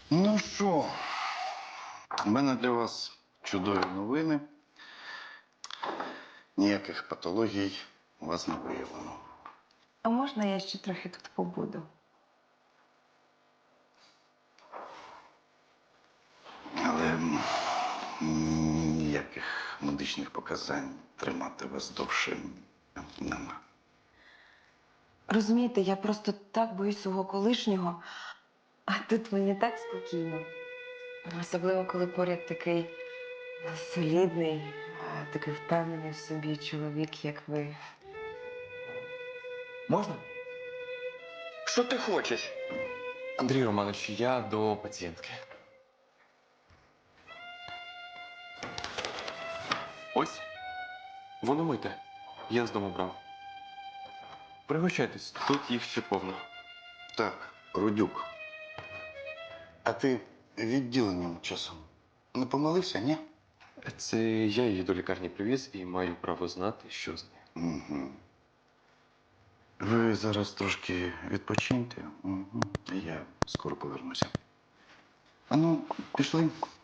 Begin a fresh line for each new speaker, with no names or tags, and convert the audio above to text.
Ну що, у мене для вас чудові новини. Ніяких патологій у вас не виявлено.
А можна я ще трохи тут побуду?
Але ніяких медичних показань тримати вас довше нема.
Розумієте, я просто так боюсь свого колишнього, а тут мені так спокійно. Особливо, коли поряд такий солідний, такий впевнений в собі чоловік, як ви.
Можна? Що ти хочеш? Андрій Романович, я до пацієнтки. Ось. Воно мите. Я з дому брав. Пригощайтесь, тут їх ще повно.
Так, Рудюк. А ти відділенням часом не помилився, ні?
Це я її до лікарні привіз і маю право знати, що з нею.
Угу. Ви зараз трошки відпочиньте. Угу. Я скоро повернуся. А ну, пішли.